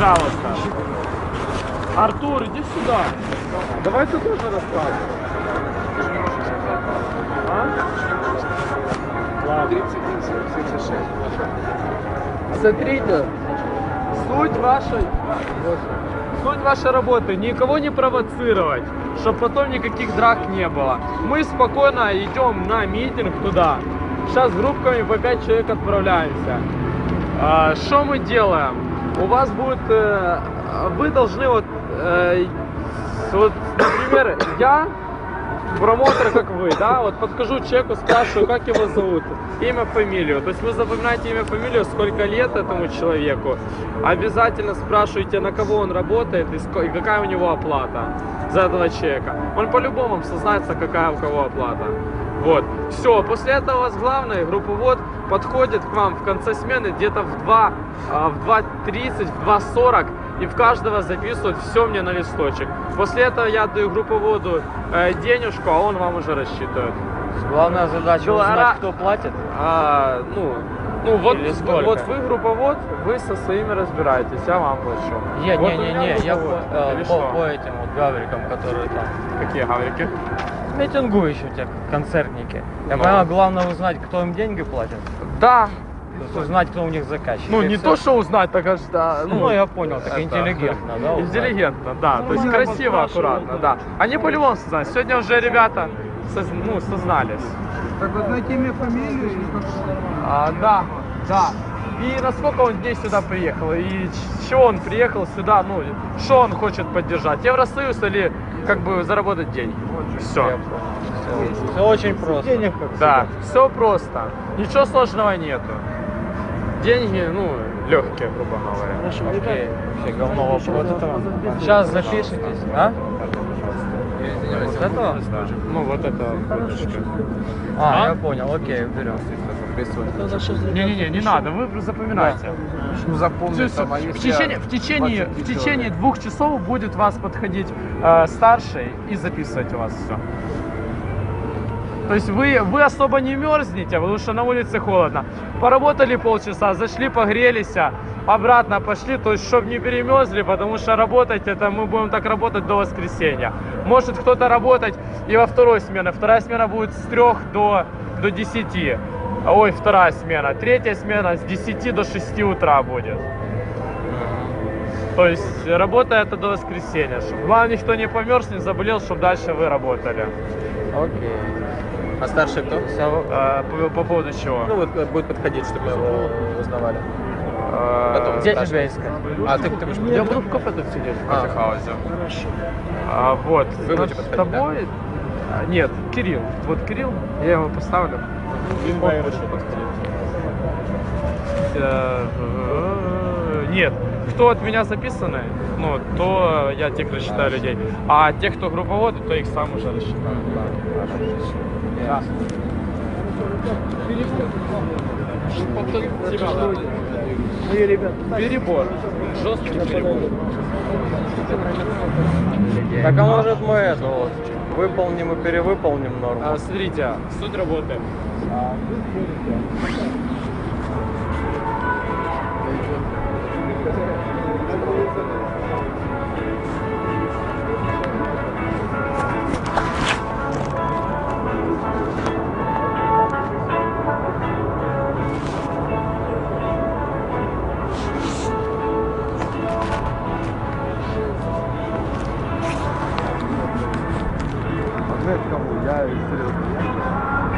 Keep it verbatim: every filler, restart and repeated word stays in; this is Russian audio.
Пожалуйста. Артур, иди сюда. Давай ты тоже рассказывай. А? Ладно. тридцать один семьдесят шесть. Смотрите, суть вашей, суть вашей работы никого не провоцировать, чтобы потом никаких драк не было. Мы спокойно идем на митинг туда. Сейчас группками по пять человек отправляемся. Что мы делаем? У вас будет, э, вы должны вот, э, вот, например, я промоутер, как вы, да, вот подхожу человеку, спрашиваю, как его зовут, имя, фамилию. То есть вы запоминаете имя, фамилию, сколько лет этому человеку. Обязательно спрашиваете, на кого он работает и, и какая у него оплата за этого человека. Он по-любому вам сознается, какая у кого оплата. Вот. Все, после этого у вас главный групповод подходит к вам в конце смены где-то в два, в два тридцать, в два сорок и в каждого записывают все мне на листочек. После этого я даю групповоду э, денежку, а он вам уже рассчитывает. Главная задача Гла- узнать, кто платит. А, ну, ну вот, вот вы групповод, вы со своими разбираетесь, я вам плачу. Не, вот не, не, не, я по, э, Или по, что? по этим вот гаврикам, которые там. Какие гаврики? Митингующие концертники. Я Ну. понимаю, главное узнать, кто им деньги платит. Да. То есть узнать, кто у них заказчик. Ну, И не всё. то, что узнать, так аж, да. Ну, я понял, так это- интеллигентно, да? узнать? Интеллигентно, да. То есть красиво, аккуратно, да. Они по-любому сознались. Сегодня уже ребята соз- ну, сознались. Так вот найти имя, фамилию или как? А, да, да. И насколько он дней сюда приехал, и ч- чего он приехал сюда, ну, что он хочет поддержать, Евросоюз или как бы заработать деньги. Все. Я понял. Все, все очень просто. Да, все просто. Ничего сложного нету. Деньги, ну, легкие, грубо говоря. Окей, вообще говно вопрос. Сейчас запишитесь, а? Вот этого? Ну, вот это. А, А? я понял, окей, берем. Не-не-не, не надо, вы запоминайте. Ну, запомни, В, в течение, в, течение, в течение двух часов будет вас подходить э, старший и записывать у вас все. То есть вы, вы особо не мерзнете, потому что на улице холодно. Поработали полчаса, зашли, погрелись, обратно пошли, то есть чтобы не перемерзли, потому что работать это мы будем так работать до воскресенья. Может кто-то работать и во второй смене. Вторая смена будет с трех до, до десяти. Ой, вторая смена. Третья смена с десяти до шести утра будет. То есть работа это до воскресенья. Чтобы главное, никто не померз, не заболел, чтобы дальше вы работали. Окей. А старший кто? Э, по, по поводу чего? Ну вот будет подходить, чтобы его узнавали. Э, потом. Где Старший. тебя искать? А ты, ты будешь Я подходить? буду в кафе тут сидеть, в А. кофехаузе. А, вот. Вы Над будете подходить, тобой... А, нет, Кирилл. Вот Кирилл, я его поставлю. Он будет подходить. Э, э, Нет, кто от меня записаны, ну, то я тех рассчитаю людей. А тех, кто групповоды, то их сам уже рассчитаю. Да. Перебор. Жесткий перебор. Так а может мы это вот выполним и перевыполним норму? А, смотрите, суть работы. Ответ кому? Я серьезно.